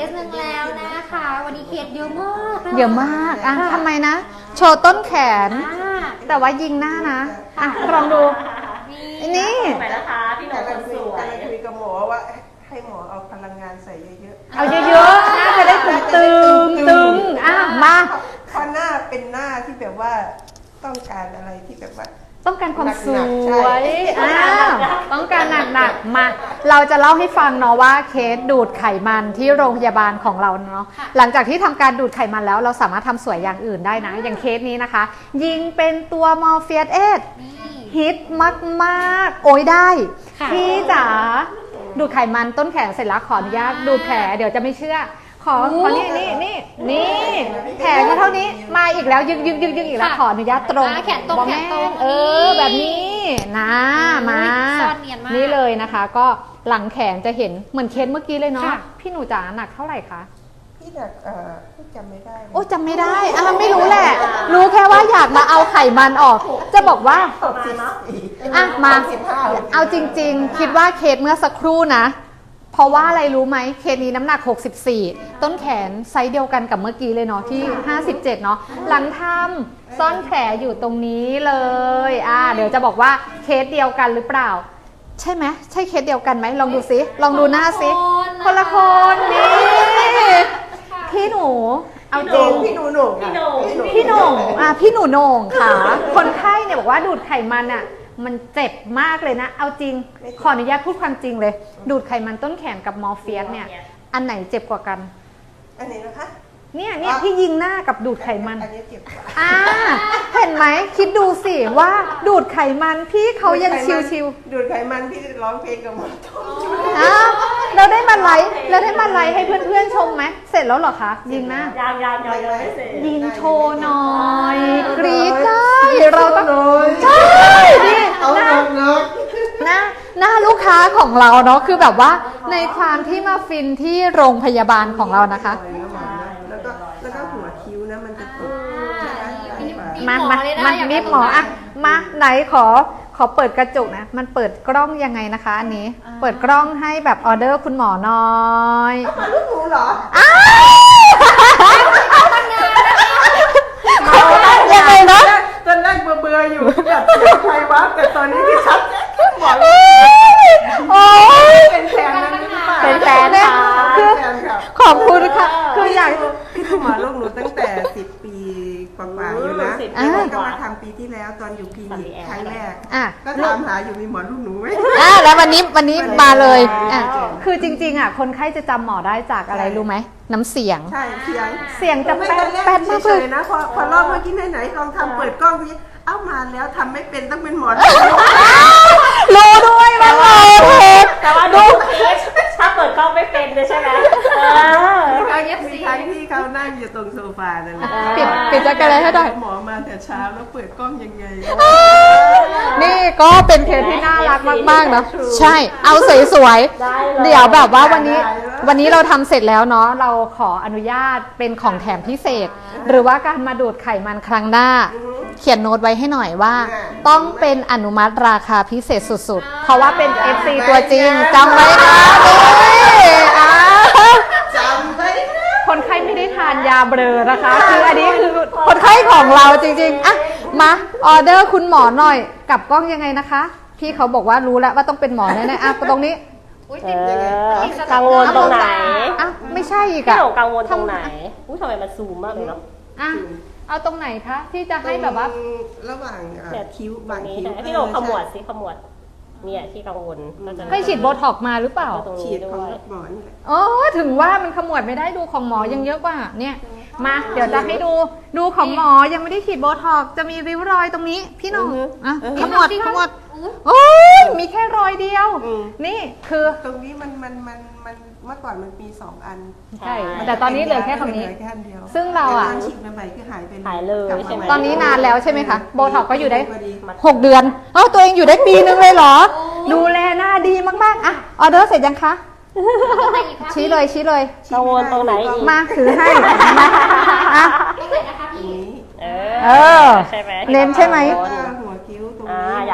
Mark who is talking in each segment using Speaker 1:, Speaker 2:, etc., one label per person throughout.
Speaker 1: สหนึ่งแล้วนะคะวันนี้เคสเยอะมาก
Speaker 2: เยอะมากอ่ะทำไมนะ โชว์ต้นแขน แต่ว่ายิงหน้านะอ่ะลองดูนี่
Speaker 3: ไหนนะคะพี่หนูคนสวย
Speaker 4: กำลังคุยกับหมอว่าให้หมอเอาพลังงานใส่เยอะๆ
Speaker 2: เอาเยอะๆหน้าจะได้ตึงอ่ะมา
Speaker 4: เพราะหน้าเป็นหน้าที่แบบว่าต้องการอะไรที่แบบว่า
Speaker 2: ต้องการความส
Speaker 4: หนักๆ
Speaker 2: วย
Speaker 4: ใช่
Speaker 2: ต้องการหนักๆมา เราจะเล่าให้ฟังเนาะว่าเคสดูดไขมันที่โรงพยาบาลของเราเนาะหลังจากที่ทำการดูดไขมันแล้วเราสามารถทำสวยอย่างอื่นได้นะ อย่างเคสนี้นะคะ ยิงเป็นตัวมอร์เฟียสเอสฮิตมากๆโอ้ยได้พี่จ๋าดูดไขมันต้นแขนเสร็จแล้วขออนุญาตดูดแผลเดี๋ยวจะไม่เชื่อ ขอนี่แผลก็เท่านี้มาอีกแล้วยึกอีกแล้วขออนุญาตตรง
Speaker 1: แขนตรงแขนตรง
Speaker 2: แบบนี้นะมา
Speaker 1: ซ่อนเนียนมาก
Speaker 2: นี่เลยนะคะ ก็หลังแขนจะเห็นเหมือนเคสเมื่อกี้เลยเนาะ
Speaker 1: ค่ะ
Speaker 2: พี่หนูจ๋าหนักเท่าไหร่คะ
Speaker 4: พี่หนักพี่จำไม่ได้
Speaker 2: โอ้จำไม่ได้ไม่รู้แหละ รู้แค่ว่าอยากมาเอาไขมันออก จะบอกว่า อ่ะมา เอาจริงๆ คิดว่าเคสเมื่อสักครู่นะ เพราะว่าอะไรรู้ไหมเคสนี้น้ำหนัก 64 ต้นแขนไซส์เดียวกันกับเมื่อกี้เลยเนาะที่ 57 เนาะหลังทำซ่อนแผลอยู่ตรงนี้เลยเดี๋ยวจะบอกว่าเคสเดียวกันหรือเปล่า ใช่ไหมใช่เคสเดียวกันไหมลองดูซิลองดูหน้าซิคนละคนนี่พี่หนูเอาจริง
Speaker 4: พี่หนูโหน่ง
Speaker 3: พี่หนู
Speaker 2: พี่โหน่งพี่หนูโหน่งค่ะ คนไข้เนี่ยบอกว่าดูดไขมันมันเจ็บมากเลยนะ เอาจริง ขออนุญาตพูดความจริงเลย ดูดไขมันต้นแขนกับมอร์เฟียสเนี่ย อันไหนเจ็บกว่ากัน
Speaker 4: อันนี้นะคะ
Speaker 2: เนี่ยที่ยิงหน้ากับดูดไขมัน
Speaker 4: อันนี้เจ็บกว่า
Speaker 2: เห็นไหมคิดดูสิว่าดูดไขมันพี่เขายังชิว
Speaker 4: ดูดไขมันพี่ร้องเพลงกับหมอต้ม
Speaker 2: ๆเราได้มาไลฟ์ให้เพื่อนๆชมไหมเสร็จแล้วเหรอคะยิงหน้า
Speaker 3: ยังไม่เสร็จ
Speaker 2: ยิงโชว์หน่อยกรี๊ดได้เราต้อง
Speaker 4: ใช่
Speaker 2: ดิ
Speaker 4: เอาหนัก
Speaker 2: หน้าลูกค้าของเราเนาะคือแบบว่าในความที่มาฟินที่โรงพยาบาลของเรานะคะ
Speaker 4: แล้วก็หัวคิ้วนะมันจะตก
Speaker 2: มานิบหมอมาไหนขอเปิดกระจกนะมันเปิดกล้องยังไงนะคะอันนี้เปิดกล้องให้แบบออเดอร์คุณหมอหน่อย
Speaker 4: มาลูกหนูเหรอ
Speaker 2: ยังไงนะ
Speaker 4: ตอนแรกเบื่ออยู่แบบใครวะแต่ตอนนี้ที่ชัดหมอ
Speaker 2: โอ้ย
Speaker 4: เป็นแฟนนั้นหรือเปล่า
Speaker 2: เป็นแฟนค่ะ
Speaker 4: เป็นแฟนครับ
Speaker 2: ขอบคุณค่ะคืออยาก
Speaker 4: พี่ดูหมอลูกหนูตั้งแต่10 ปีกว่าๆอยู่นะก็มาทำปีที่แล้วตอนอยู่คลินิกครั้งแรกก็ถามหาอยู่มีหมอลูกหนูไหม
Speaker 2: แล้ววันนี้มาเลยคือจริงๆคนไข้จะจำหมอได้จากอะไรรู้ไหมน้ำเสียง
Speaker 4: ใช่เสียง
Speaker 2: เสียงจะแป๊ดมาก
Speaker 4: เฉ
Speaker 2: เลย
Speaker 4: ยๆนะพอรอบเมื่อกี้ไหนๆลองทำเปิดกล้องดิเอ้ามาแล้วทำไม่เป็นต้องเป็นหมอ
Speaker 2: รู้ด้วยว่าเราผิด
Speaker 3: แต่ว่าดูถ้าเปิดกล้องไม่เป็นเลยใช่ไหม
Speaker 4: มีครั้งที่เขานั่งอยู่ตรงโซฟานั่นแหละ
Speaker 2: ปิดจักรเลยให้หน่อย
Speaker 4: หมอมาแต่เช้าแล้วเปิดกล้องยังไง
Speaker 2: นี่ก็เป็นเคสที่น่ารักมากๆเนาะใช่เอาสวยๆเดี๋ยวแบบว่าวันนี้เราทำเสร็จแล้วเนาะเราขออนุญาตเป็นของแถมพิเศษ หรือว่าการมาดูดไขมันครั้งหน้า เขียนโน้ตไว้ให้หน่อยว่า ต้องเป็นอนุมัติราคาพิเศษสุดๆ เพราะว่าเป็น FC ตัวจริงจำไว้นะ
Speaker 4: จำไว้นะ
Speaker 2: คนไข้ไม่ได้ทานยาเบลอนะคะคืออันนี้คือคนไข้ของเราจริงๆมาออเดอร์คุณหมอหน่อยกับกล้องยังไงนะคะพี่เขาบอกว่ารู้แล้วว่าต้องเป็นหมอแน่ๆตรงนี้
Speaker 3: กังวลตรงไหน
Speaker 2: ไม่ใช่อีก
Speaker 3: พี่หนูกังวลตรงไหนทำไมมันซูมมากเลยเนาะ
Speaker 2: เอาตรงไหนคะที่จะให้แบบว่า
Speaker 4: ระหว่างคิ้วบางคิ้ว
Speaker 3: พี่หนูขมวดสิขมวดเนี่ยที่กังวล
Speaker 2: ให้ฉีดโบท็อกมาหรือเปล่า
Speaker 4: ฉีดของหมอนี่แหละ
Speaker 2: ถึงว่ามันขมวดไม่ได้ดูของหมอยังเยอะกว่าเนี่ยมาเดี๋ยวจะให้ดูของหมอยังไม่ได้ฉีดโบท็อกจะมีริ้วรอยตรงนี้พี่น้องขมวดโอ้ยมีแค่รอยเดียวนี่คือ
Speaker 4: ตรงนี้มันเมื่อก่อนมันมี2 อัน
Speaker 2: ใช่แต่ตอนนี้เหลือแค่คำนี้
Speaker 4: แค่อันเดียว
Speaker 2: ซึ่งเรา
Speaker 4: ฉีดใหม่ๆคือหายไป
Speaker 3: หายเลยใช่ไหม
Speaker 2: ตอนนี้นานแล้วใช่ไหมคะโบท็อกก็อยู่ได้6 เดือนตัวเองอยู่ได้ปีนึงเลยเหรอดูแลหน้าดีมากๆออเดอร์เสร็จยังคะชี้เลย
Speaker 3: กังวลตรงไหนอีก
Speaker 2: มาถือให้
Speaker 1: ตรงไหนนะคะพี่
Speaker 3: ใช่ไหม
Speaker 2: เน้นใช่ไหม
Speaker 4: หัวคิ้วตรง
Speaker 3: อ
Speaker 4: นี้
Speaker 3: ยาก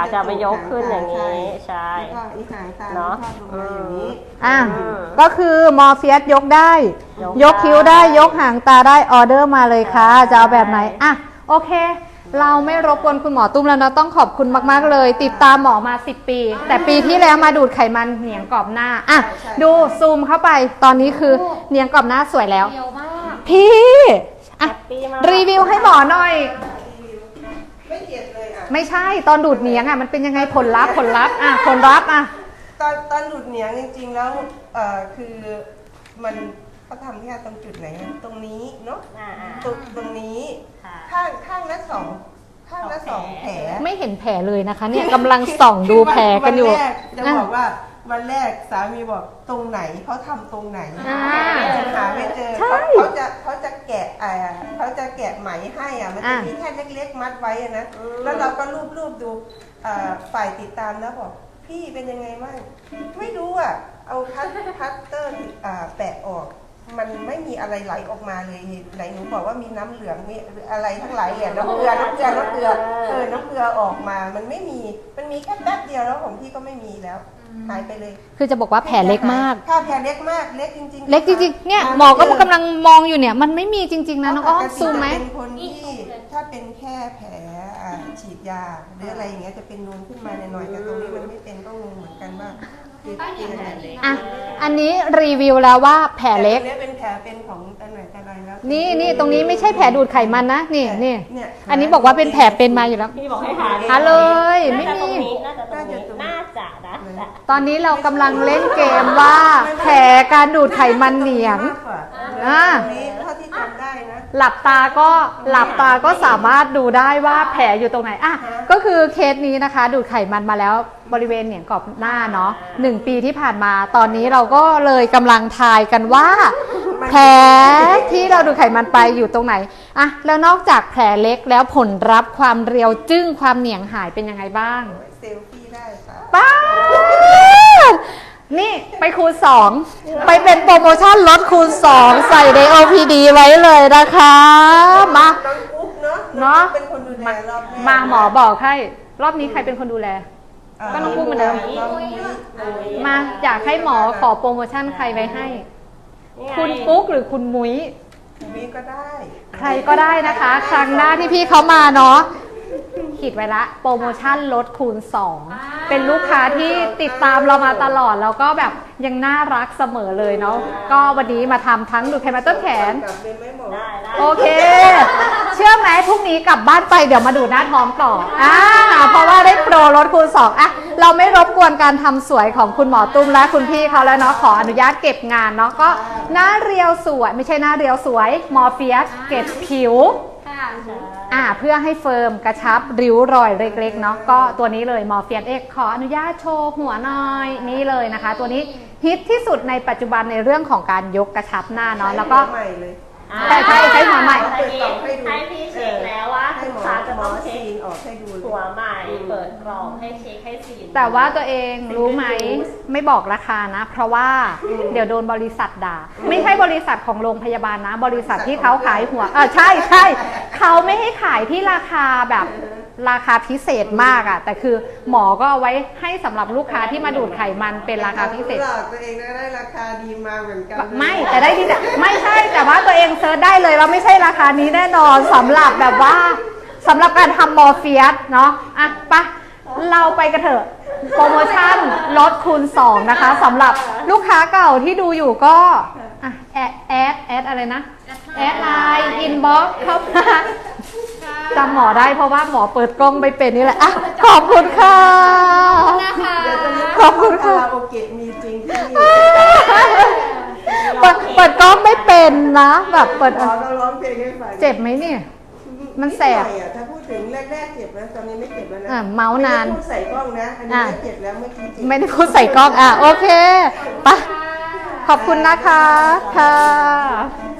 Speaker 3: ากจะไปยกขึ้นอย่างนี้ใช่
Speaker 4: แล้วก็อีกหางตา
Speaker 3: เนาะ
Speaker 4: ทอดลงมาอย่างนี้
Speaker 2: อ่ะก็คือมอร์เฟียสยกได้ ยกคิ้วได้ยกหางตาได้ออเดอร์มาเลยค่ะจะเอาแบบไหนอ่ะโอเค เราไม่รบกวนคุณหมอตุ้มแล้วนะต้องขอบคุณมากๆเลย ติดตามหมอมา10 ปี แต่ปีที่แล้วมาดูดไขมันเหนียงกรอบหน้าอ่ะดูซูมเข้าไปตอนนี้คือเหนียงกรอบหน้าสวยแล้ว
Speaker 1: เร็วมาก
Speaker 2: พี่อ่ะ
Speaker 3: แฮปปี้มาก
Speaker 2: รีวิวให้หมอหน่อย
Speaker 4: ไม่เจ็บเลยอ่ะ
Speaker 2: ไม่ใช่ตอนดูดเหนียงอ่ะมันเป็นยังไงผลลัพธ์อ่ะผลลัพธ์อ่ะ
Speaker 4: ตอนดูดเหนียงจริงๆแล้วคือมันเขาทำแค่ตรงจุดไหนอะตรงนี้เนาะ
Speaker 3: อ่า
Speaker 4: ตรงนี้
Speaker 3: ค่ะ
Speaker 4: ข้างละสองแผล
Speaker 2: ไม่เห็นแผลเลยนะคะเนี่ยกำลังส่องดูแผลกันอยู่
Speaker 4: วัแรกจะบอกว่าวันแรกสามีบอกตรงไหนเขาทำตรงไหน
Speaker 2: อ่า
Speaker 4: หาไม่เจอ
Speaker 2: ใช่
Speaker 4: เขาจะแกะไหมให้อ่ะมันจะมีแค่เล็กๆมัดไว้อะนะแล้วเราก็รูปดูฝ่ายติดตามแล้วบอกพี่เป็นยังไงบ้างไม่รู้อ่ะเอาคัตเตอร์แปะออกมันไม่มีอะไรไหลออกมาเลยไหนหนูบอกว่ามีน้ำเหลืองมีอะไรทั้งหลายเนี่ยน้ำเกลือน้ำเกลือออกมามันไม่มีมันมีแค่แป๊บเดียวแล้วของพี่ก็ไม่มีแล้วหายไปเลย
Speaker 2: คือจะบอกว่าแผลเล็กมาก
Speaker 4: ค่ะแผลเล็กมากเล็กจริงๆ
Speaker 2: เล็กจริงๆเนี่ยหมอก็กำลังมองอยู่เนี่ยมันไม่มีจริงๆนะน้องอ้อมซูมไหม
Speaker 4: เป็นคนที่ถ้าเป็นแค่แผลฉีดยาหรืออะไรอย่างเงี้ยจะเป็นนูนขึ้นมาหน่อยๆแต่ตรงนี้มันไม่เป็นก็งงเหมือนกันว่าคือเป็นอะไร
Speaker 2: อ่ะอันนี้รีวิวแล้วว่าแผลเล็ก
Speaker 4: เป็นแผลเป็นของแต่ไหนแต่ไรแล้ว
Speaker 2: นี่ตรงนี้ไม่ใช่แผลดูดไขมันนะนี่
Speaker 4: เนี่ย
Speaker 2: อันนี้บอกว่าเป็นแผลเป็นมาอยู่แล้ว
Speaker 3: พี่บอกให้หา
Speaker 2: หาเลยไม่
Speaker 3: น่าจะ
Speaker 2: มี
Speaker 3: ตรงนี้น่าจะตรงนี้น่าจะนะแต่
Speaker 2: ตอนนี้เรากำลังเล่นเกมว่าแผลการดูดไขมันเหนียง อ่า
Speaker 4: ตรงนี้เท่าที่จำได้นะ
Speaker 2: หลับตาก็สามารถดูได้ว่าแผลอยู่ตรงไหนอ่ะก็คือเคสนี้นะคะดูดไขมันมาแล้วบริเวณเหนียงกรอบหน้าเนาะ1 ปีที่ผ่านมาตอนนี้เราก็เลยกำลังทายกันว่า แผลที่เราดูดไขมันไปอยู่ตรงไหนอ่ะแล้วนอกจากแผลเล็กแล้วผลลัพธ์ความเรียวจึ้งความเหนียงหายเป็นยังไงบ้าง
Speaker 4: เซลฟี่ได้ค่ะ
Speaker 2: ป้าดนี่ไปคูณ2ไปเป็นโปรโมชั่นลดคูณ2ใส่ใน OPD ไว้เลยนะคะมา
Speaker 4: น้องกุ๊กเนาะ
Speaker 2: เนาะ
Speaker 4: เป็นคนดูแลรอบแรก
Speaker 2: มาหมอบอกให้รอบนี้ใครเป็นคนดูแล ก็น้องกุ๊กเหมือนเดิม
Speaker 4: น้องกุ๊ก
Speaker 2: มาอยากให้หมอขอโปรโมชั่นใครไว้ให้
Speaker 3: นี่ไง
Speaker 2: คุณปุ๊กหรือคุณมุ้ย
Speaker 4: วีก็ได้
Speaker 2: ใครก็ได้นะคะ ครั้งหน้าที่พี่เขามาเนาะขีดไว้ละโปรโมชั่นลดคูณ2เป็นลูกค้าที่ติดตามเรามาตลอดแล้วก็แบบยังน่ารักเสมอเลยเนาะก็วันนี้มาทำทั้งดูดไขมันต้นแขน
Speaker 4: กลับเลยไหมหมอ
Speaker 3: ได้ได้
Speaker 2: โอเค เชื่อไหมพรุ่งนี้กลับบ้านไปเดี๋ยวมาดูหน้าท้องต่อเพราะว่าได้โปรลดคูณ2อ่ะเราไม่รบกวนการทำสวยของคุณหมอตุ้มและคุณพี่เขาแล้วเนาะขออนุญาตเก็บงานเนาะก็หน้าเรียวสวยไม่ใช่หน้าเรียวสวยมอร์เฟียสเก็บผิว
Speaker 1: ค่ะ
Speaker 2: เพื่อให้เฟิร์มกระชับริ้วรอยเล็กๆเนาะก็ตัวนี้เลยมอร์เฟียสเอ็กขออนุญาตโชว์หัวหน่อยนี่เลยนะคะ ตัวนี้ฮิตที่สุดในปัจจุบันในเรื่องของการยกกระชับหน้าเนาะแล้วก็
Speaker 4: ใหม่เลย
Speaker 2: ใช้หัวใหม่
Speaker 3: ให้พี่เช็คแล้วว่า
Speaker 4: ให้
Speaker 3: ลูก
Speaker 4: หมอ
Speaker 3: ค้าจะ
Speaker 4: หม
Speaker 3: ต้
Speaker 4: อ
Speaker 3: องเช็
Speaker 4: ซี
Speaker 3: คน
Speaker 4: ออกให้ดูเลย
Speaker 3: หัวใหม่เปิดกล่องให้เช็คให้ซีน
Speaker 2: แต่ว่าตัวเองรู้ไหมไม่บอกราคานะ เพราะว่าเดี๋ยวโดนบริษัทด่า ไม่ใช่บริษัทของโรงพยาบาลนะ บริษัทที่เขาขายหัวใช่เขาไม่ให้ขายที่ราคาแบบราคาพิเศษมากอะแต่คือหมอก็เอาไว้ให้สำหรับลูกค้าที่มาดูดไขมันเป็นราคาพิเศษ
Speaker 4: หลอกตัวเองก็ได้ราคาดีมาเหมือนกัน
Speaker 2: ไม่แต่ได้ที่ไม่ใช่แต่ว่าตัวเองเซิร์ชได้เลยว่าไม่ใช่ราคานี้แน่นอนสำหรับแบบว่าสำหรับการทำมอร์เฟียสเนาะอ่ะไปะเราไปกันเถอะโปรโมชั่นลดคูณ2นะคะสำหรับลูกค้าเก่าที่ดูอยู่ก็อ่ะแอดอะไรนะแอดไลน์อินบ็อกซ์เข้ามาจำหมอได้เพราะว่าหมอเปิดกล้องไปเป็นนี่แหละอ่ะขอบคุณค่ะ
Speaker 1: นะคะ
Speaker 2: ขอบคุณค่ะ
Speaker 4: คาราโอเกะมีจริงที่
Speaker 2: เปิดกล้องไม่เป็นนะแบบเปิด
Speaker 4: หมอก็ร้องเพลงให้ฟัง
Speaker 2: เจ็บไหมเนี่ย มันแสบ
Speaker 4: นิดหน่อยอะถ้าพูดถึงแรกๆเจ็บนะตอนนี้ไม่เจ็บแล้วนะ
Speaker 2: เมาส์นาน
Speaker 4: ไม่ได้พูดใส่กล้องนะอันนี้ไม่เจ็บแล้วเมื่อกี้เจ็บ
Speaker 2: ไม่ได้พูดใส่กล้องโอเคไปะขอบคุณนะคะค่ะ